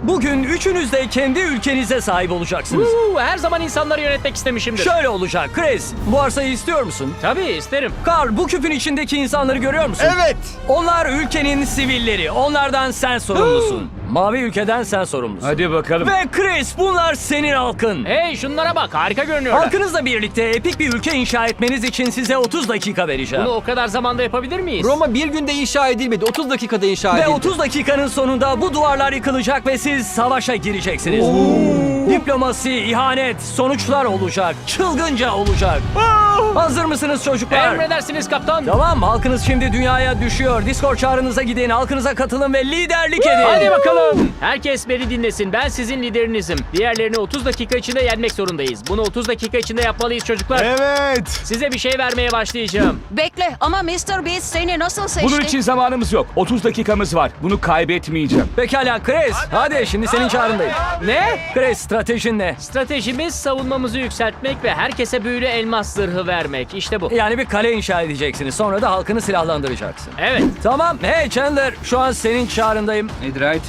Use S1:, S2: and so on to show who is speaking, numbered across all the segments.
S1: Bugün üçünüz de kendi ülkenize sahip olacaksınız.
S2: Her zaman insanları yönetmek istemişimdir.
S1: Şöyle olacak. Chris, bu arsayı istiyor musun?
S2: Tabii isterim.
S1: Carl, bu küpün içindeki insanları görüyor musun?
S3: Evet.
S1: Onlar ülkenin sivilleri. Onlardan sen sorumlusun. Mavi ülkeden sen sorumlusun.
S4: Hadi bakalım.
S1: Ve Chris, bunlar senin halkın.
S2: Hey şunlara bak, harika görünüyorlar.
S1: Halkınızla birlikte epik bir ülke inşa etmeniz için size 30 dakika vereceğim.
S2: Bunu o kadar zamanda yapabilir miyiz?
S3: Roma bir günde inşa edilmedi. 30 dakikada inşa
S1: Ve
S3: edildi.
S1: 30 dakikanın sonunda bu duvarlar yıkılacak ve siz savaşa gireceksiniz. Diplomasi, ihanet, sonuçlar olacak. Çılgınca olacak. Hazır mısınız çocuklar?
S2: Emredersiniz kaptan.
S1: Tamam, halkınız şimdi dünyaya düşüyor. Discord çağrınıza gidin, halkınıza katılın ve liderlik edin.
S2: Hadi bakalım. Herkes beni dinlesin. Ben sizin liderinizim. Diğerlerini 30 dakika içinde yenmek zorundayız. Bunu 30 dakika içinde yapmalıyız çocuklar.
S5: Evet.
S2: Size bir şey vermeye başlayacağım.
S6: Bekle ama Mr. Beast seni nasıl seçti?
S4: Bunun için zamanımız yok. 30 dakikamız var. Bunu kaybetmeyeceğim.
S1: Pekala Chris, hadi şimdi senin çağrındayım.
S2: Ne?
S1: Chris, stratejin ne?
S2: Stratejimiz savunmamızı yükseltmek ve herkese büyülü elmas zırhı vermek. İşte bu.
S1: Yani bir kale inşa edeceksiniz. Sonra da halkını silahlandıracaksın.
S2: Evet.
S1: Tamam. Hey Chandler, şu an senin çağrındayım.
S4: Netherite.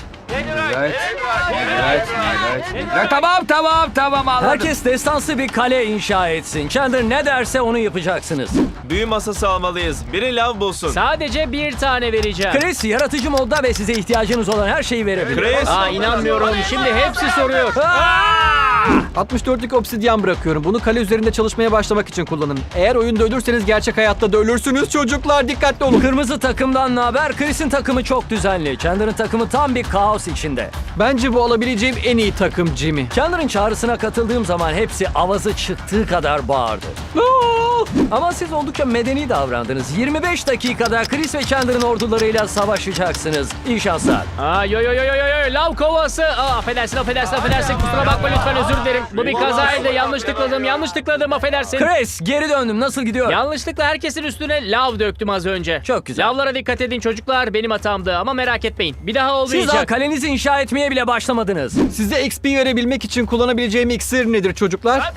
S4: Tamam anladım.
S1: Herkes destansı bir kale inşa etsin. Chandler ne derse onu yapacaksınız.
S5: Büyü masası almalıyız. Biri lav bulsun.
S2: Sadece bir tane vereceğim.
S1: Chris yaratıcı modda ve size ihtiyacınız olan her şeyi verebilir.
S5: Chris.
S2: İnanmıyorum. Şimdi hepsi soruyor.
S3: 64'lük obsidyen bırakıyorum. Bunu kale üzerinde çalışmaya başlamak için kullanın. Eğer oyunda ölürseniz gerçek hayatta da ölürsünüz çocuklar. Dikkatli olun.
S1: Kırmızı takımdan ne haber? Chris'in takımı çok düzenli. Chandler'ın takımı tam bir kaos içinde.
S3: Bence bu alabileceğim en iyi takım Jimmy.
S1: Chandler'ın çağrısına katıldığım zaman hepsi avazı çıktığı kadar bağırdı. Ama siz oldukça medeni davrandınız. 25 dakikada Chris ve Chandler'ın ordularıyla savaşacaksınız. İyi şanslar.
S2: Yo. Lav kovası. Affedersin. Kusura bakma lütfen, özür dilerim. Bu bir kazaydı. Yanlış tıkladım. Affedersin.
S1: Chris, geri döndüm. Nasıl gidiyor?
S2: Yanlışlıkla herkesin üstüne lav döktüm az önce.
S1: Çok güzel.
S2: Lavlara dikkat edin çocuklar. Benim hatamdı ama merak etmeyin. Bir daha
S1: Siz daha
S2: olmayacak.
S1: kalenizi inşa etmeye bile başlamadınız.
S3: Size XP verebilmek için kullanabileceğim iksir nedir çocuklar?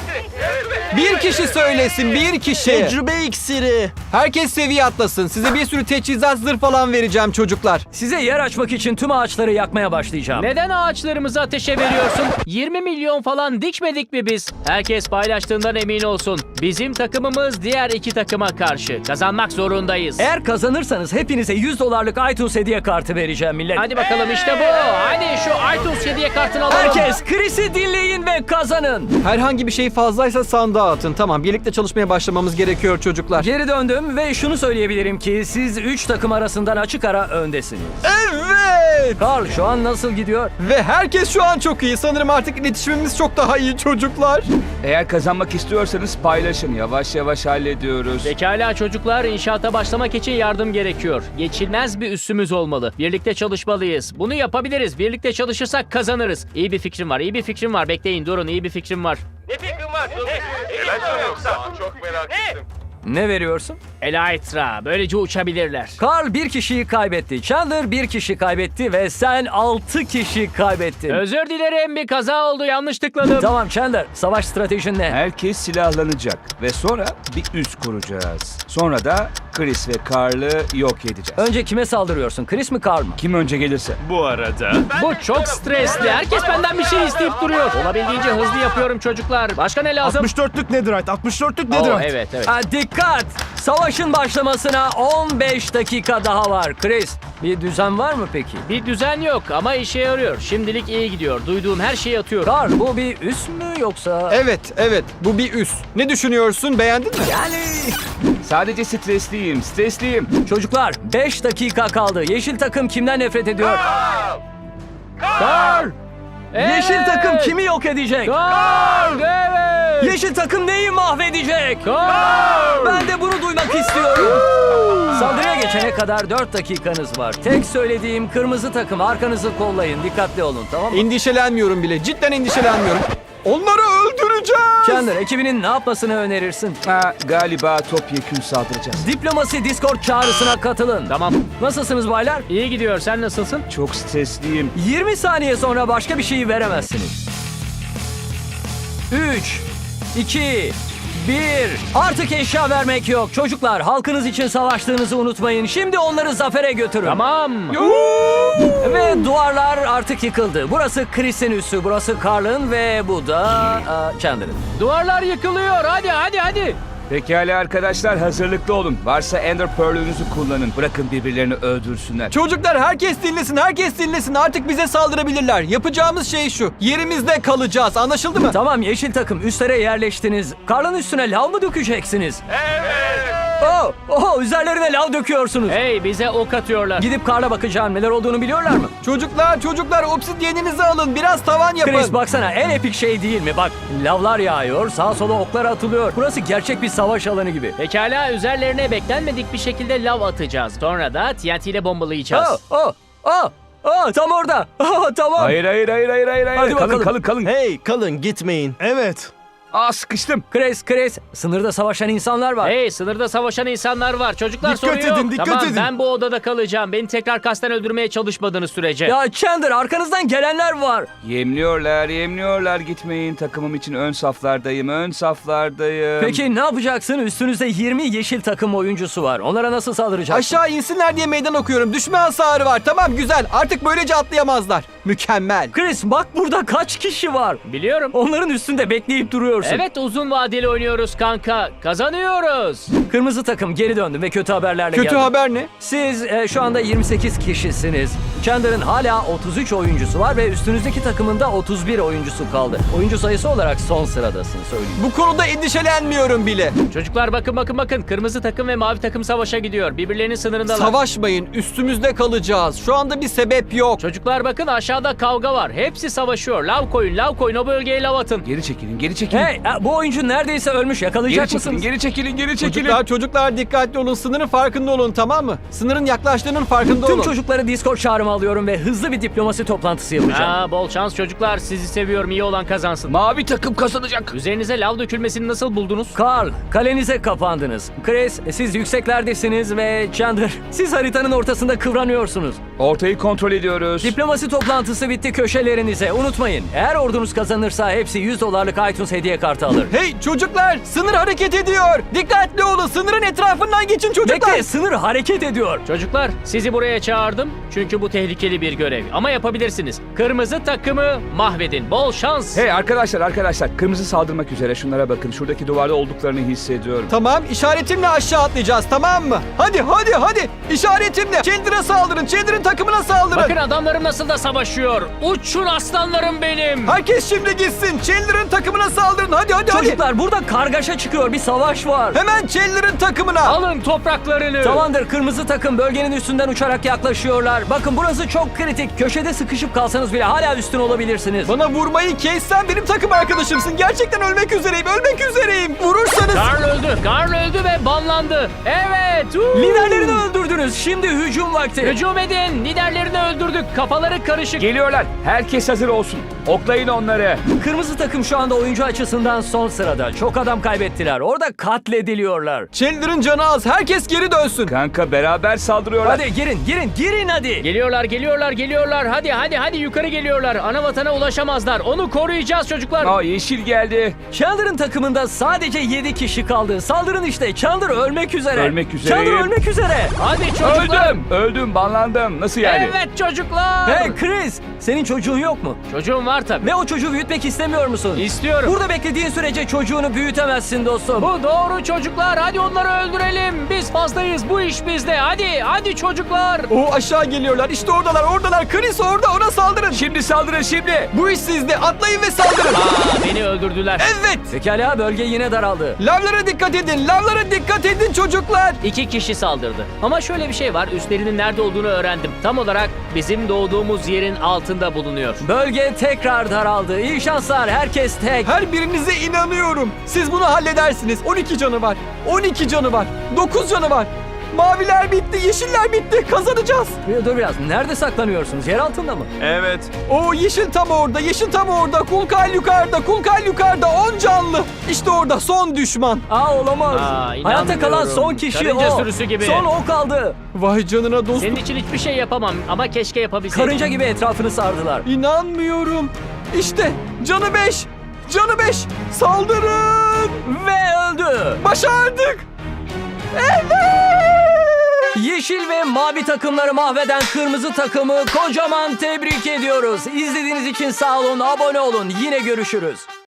S3: Bir kişi söylesin, bir kişi.
S5: Tecrübe iksiri.
S3: Herkes seviye atlasın. Size bir sürü teçhizat zırh falan vereceğim çocuklar.
S1: Size yer açmak için tüm ağaçları yakmaya başlayacağım.
S2: Neden ağaçlarımızı ateşe veriyorsun? 20 milyon falan dikmedik mi biz? Herkes paylaştığından emin olsun. Bizim takımımız diğer iki takıma karşı. Kazanmak zorundayız.
S1: Eğer kazanırsanız hepinize $100'lık iTunes hediye kartı vereceğim millet.
S2: Hadi bakalım işte bu. Hadi şu iTunes hediye kartını alalım.
S1: Herkes Chris'i dinleyin ve kazanın.
S3: Herhangi bir şey fazlaysa sandığa atın. Tamam, birlikte çalışmaya başlamamız gerekiyor çocuklar.
S1: Geri döndüm ve şunu söyleyebilirim ki siz 3 takım arasından açık ara öndesiniz.
S3: Evet!
S1: Carl, şu an nasıl gidiyor?
S3: Ve herkes şu an çok iyi. Sanırım artık iletişimimiz çok daha iyi çocuklar.
S4: Eğer kazanmak istiyorsanız paylaşın. Yavaş yavaş hallediyoruz.
S2: Pekala çocuklar, inşaata başlamak için yardım gerekiyor. Geçilmez bir üssümüz olmalı. Birlikte çalışmalıyız. Bunu yapabiliriz. Birlikte çalışırsak kazanırız. İyi bir fikrim var. Bekleyin, durun. İyi bir fikrim var.
S1: Ne veriyorsun?
S2: Elytra. Böylece uçabilirler.
S1: Carl bir kişiyi kaybetti. Chandler bir kişi kaybetti ve sen 6 kişi kaybettin.
S2: Özür dilerim, bir kaza oldu. Yanlış tıkladım.
S1: Tamam Chandler, savaş stratejin ne?
S4: Herkes silahlanacak ve sonra bir üs kuracağız. Sonra da Chris ve Carl'ı yok edeceğiz.
S1: Önce kime saldırıyorsun? Chris mi Carl mı?
S4: Kim önce gelirse.
S5: Bu arada.
S2: Bu çok stresli. Herkes benden bir şey isteyip duruyor. Olabildiğince hızlı yapıyorum çocuklar. Başka ne lazım?
S5: 64'lük Netherite. 64'lük
S2: Oo,
S5: Netherite.
S2: evet.
S1: Ha, dikkat! Savaşın başlamasına 15 dakika daha var. Chris, bir düzen var mı peki?
S2: Bir düzen yok ama işe yarıyor. Şimdilik iyi gidiyor. Duyduğum her şeyi atıyorum.
S1: Carl, bu bir üs mü yoksa?
S3: Evet. Bu bir üs. Ne düşünüyorsun? Beğendin mi?
S4: Sadece stresliyim.
S1: Çocuklar, 5 dakika kaldı. Yeşil takım kimden nefret ediyor? Carl! Yeşil takım kimi yok edecek?
S2: Gol! Evet!
S1: Yeşil takım neyi mahvedecek?
S2: Gol!
S1: Ben de bunu duymak istiyorum. Saldırıya geçene kadar 4 dakikanız var. Tek söylediğim kırmızı takım arkanızı kollayın. Dikkatli olun, tamam mı?
S3: Endişelenmiyorum bile. Cidden endişelenmiyorum. Onları öldüreceğiz.
S1: Chandler, ekibinin ne yapmasını önerirsin?
S4: Galiba topyekün saldıracağız.
S1: Diplomasi Discord çağrısına katılın.
S2: Tamam.
S1: Nasılsınız baylar?
S2: İyi gidiyor. Sen nasılsın?
S4: Çok stresliyim.
S1: 20 saniye sonra başka bir şeyi veremezsiniz. 3, 2, Artık eşya vermek yok. Çocuklar, halkınız için savaştığınızı unutmayın. Şimdi onları zafere götürün.
S2: Tamam.
S1: Ve duvarlar artık yıkıldı. Burası Chris'in üssü, burası Carl'ın ve bu da Chandler'ın.
S2: Duvarlar yıkılıyor. Hadi hadi hadi.
S4: Pekala arkadaşlar, hazırlıklı olun. Varsa Ender Pearl'ünüzü kullanın. Bırakın birbirlerini öldürsünler.
S3: Çocuklar herkes dinlesin, herkes dinlesin. Artık bize saldırabilirler. Yapacağımız şey şu. Yerimizde kalacağız. Anlaşıldı mı?
S1: Tamam, yeşil takım üstlere yerleştiniz. Carl'ın üstüne lav mı dökeceksiniz? Evet. Üzerlerine lav döküyorsunuz.
S2: Hey, bize ok atıyorlar.
S1: Gidip Carl'a bakacağım. Neler olduğunu biliyorlar mı?
S3: Çocuklar obsidyeninizi alın. Biraz tavan yapın.
S1: Chris, baksana, en epik şey değil mi? Bak, lavlar yağıyor, sağa sola oklar atılıyor. Burası gerçek bir savaş alanı gibi.
S2: Pekala, üzerlerine beklenmedik bir şekilde lav atacağız. Sonra da TNT ile bombalayacağız.
S1: Tam orada. Tamam.
S4: Hayır.
S1: Hadi bakalım.
S4: Kalın.
S5: Hey kalın gitmeyin. Evet.
S4: Sıkıştım.
S1: Chris, sınırda savaşan insanlar var.
S2: Hey, sınırda savaşan insanlar var. Çocuklar,
S5: Dikkat
S2: sorun yok.
S5: edin, dikkat
S2: Tamam,
S5: edin.
S2: ben bu odada kalacağım. Beni tekrar kasten öldürmeye çalışmadığınız sürece.
S1: Ya Chandler, arkanızdan gelenler var.
S4: Yemliyorlar. Gitmeyin. Takımım için ön saflardayım.
S1: Peki ne yapacaksın? Üstünüzde 20 yeşil takım oyuncusu var. Onlara nasıl saldıracaksın?
S3: Aşağı insinler diye meydan okuyorum. Düşme hasarı var. Tamam, güzel. Artık böylece atlayamazlar. Mükemmel.
S1: Chris, bak burada kaç kişi var.
S2: Biliyorum.
S1: Onların üstünde bekleyip duruyorsun.
S2: Evet, uzun vadeli oynuyoruz kanka. Kazanıyoruz.
S1: Kırmızı takım geri döndü ve kötü haberlerle geldi.
S3: Kötü haber ne?
S1: Siz şu anda 28 kişisiniz. Chandler'ın hala 33 oyuncusu var ve üstünüzdeki takımında 31 oyuncusu kaldı. Oyuncu sayısı olarak son sıradasın, söyleyeyim.
S3: Bu konuda endişelenmiyorum bile.
S2: Çocuklar, bakın. Kırmızı takım ve mavi takım savaşa gidiyor. Birbirlerinin sınırındalar.
S3: Savaşmayın. Üstümüzde kalacağız. Şu anda bir sebep yok.
S2: Çocuklar, bakın, aşağıda kavga var. Hepsi savaşıyor. Lav koyun. O bölgeye lav atın.
S4: Geri çekilin.
S1: Hey, bu oyuncu neredeyse ölmüş. Yakalayacak mısınız?
S4: Geri çekilin.
S3: Çocuklar dikkatli olun. Sınırın farkında olun, tamam mı? Sınırın yaklaştığının farkında
S1: Tüm
S3: olun.
S1: çocukları Discord çağrıma alıyorum ve hızlı bir diplomasi toplantısı yapacağım.
S2: Bol şans çocuklar. Sizi seviyorum. İyi olan kazansın.
S4: Mavi takım kazanacak.
S2: Üzerinize lav dökülmesini nasıl buldunuz?
S1: Carl, kalenize kapandınız. Chris, siz yükseklerdesiniz ve Chandler, siz haritanın ortasında kıvranıyorsunuz.
S4: Ortayı kontrol ediyoruz.
S1: Diplomasi toplantısı bitti, köşelerinize. Unutmayın, eğer ordunuz kazanırsa hepsi $100 iTunes hediye kartı alır.
S3: Hey çocuklar, sınır hareket ediyor. Dikkatli olun, sınırın etrafından geçin çocuklar.
S1: Bekle, sınır hareket ediyor.
S2: Çocuklar, sizi buraya çağırdım. Çünkü bu tehlikeli bir görev. Ama yapabilirsiniz. Kırmızı takımı mahvedin. Bol şans.
S4: Hey arkadaşlar. Kırmızı saldırmak üzere. Şunlara bakın. Şuradaki duvarda olduklarını hissediyorum.
S3: Tamam, işaretimle aşağı atlayacağız, tamam mı? Hadi. İşaretimle. Chandler'a saldırın, Chandler'ın takımına saldırın.
S2: Bakın adamlarım nasıl da savaşıyor. Uçun aslanlarım benim.
S3: Herkes şimdi gitsin. Chandler'ın takımına saldırın. Hadi.
S1: Çocuklar, burada kargaşa çıkıyor, bir savaş var.
S3: Hemen Chandler'ın takımına.
S2: Alın topraklarını.
S1: Tamamdır, kırmızı takım bölgenin üstünden uçarak yaklaşıyorlar. Bakın burası çok kritik. Köşede sıkışıp kalsanız bile hala üstün olabilirsiniz.
S3: Bana vurmayı kes, sen benim takım arkadaşımsın. Gerçekten ölmek üzereyim. Vurursanız...
S2: Karl öldü ve banlandı. Evet.
S1: Liderlerini öldürdünüz. Şimdi hücum vakti.
S2: Hücum edin. Liderlerini öldürdük. Kafaları karışık.
S4: Geliyorlar. Herkes hazır olsun. Oklayın onları.
S1: Kırmızı takım şu anda oyuncu açısından son sırada. Çok adam kaybettiler. Orada katlediliyorlar.
S3: Chandler'ın canı az. Herkes geri dönsün.
S4: Kanka beraber saldırıyorlar.
S1: Hadi girin hadi.
S2: Geliyorlar. Hadi yukarı geliyorlar. Ana vatana ulaşamazlar. Onu koruyacağız çocuklar.
S4: Yeşil geldi.
S1: Chandler'ın takımında sadece 7 kişi kaldı. Saldırın işte. Chandler ölmek üzere. Chandler ölmek üzere.
S2: Hadi çocuklar.
S4: Öldüm. Banlandım. Nasıl yani?
S2: Evet çocuklar.
S1: Hey Chris, senin çocuğun yok mu?
S2: Çocuğum var tabii.
S1: Ve o çocuğu büyütmek istemiyor musun?
S2: İstiyorum.
S1: Burada beklediğin sürece çocuğunu büyütemezsin dostum.
S2: Bu doğru çocuklar. Hadi onları öldürelim. Biz fazlayız. Bu iş bizde. Hadi çocuklar.
S3: Aşağı geliyorlar. İşte oradalar. Chris orada. Ona saldırın.
S4: Şimdi saldırın şimdi.
S3: Bu iş sizde. Atlayın ve saldırın.
S2: Beni öldürdüler.
S3: Evet.
S1: Pekala, bölge yine daraldı.
S3: Lavlara dikkat edin çocuklar.
S2: 2 kişi saldırdı. Ama şöyle bir şey var. Üstlerinin nerede olduğunu öğrendim. Tam olarak bizim doğduğumuz yerin altında bulunuyor.
S1: Bölge tekrar daraldı. İyi şanslar, herkes tek.
S3: Her birinize inanıyorum. Siz bunu halledersiniz. 12 canı var. 9 canı var. Maviler bitti, yeşiller bitti. Kazanacağız.
S1: Dur biraz, nerede saklanıyorsunuz? Yer altında mı?
S5: Evet.
S3: Yeşil tam orada. Kulkal yukarıda. 10 canlı. İşte orada son düşman.
S1: Olamaz. Hayatta kalan
S2: inanmıyorum.
S1: son kişi
S2: Karınca
S1: o.
S2: sürüsü gibi.
S1: Son o kaldı.
S3: Vay canına dostum.
S2: Senin için hiçbir şey yapamam ama keşke yapabilseydim.
S1: Karınca gibi etrafını sardılar.
S3: İnanmıyorum. İşte canı 5. Saldırın.
S1: Ve öldü.
S3: Başardık.
S1: Yeşil ve mavi takımları mahveden kırmızı takımı kocaman tebrik ediyoruz. İzlediğiniz için sağ olun, abone olun. Yine görüşürüz.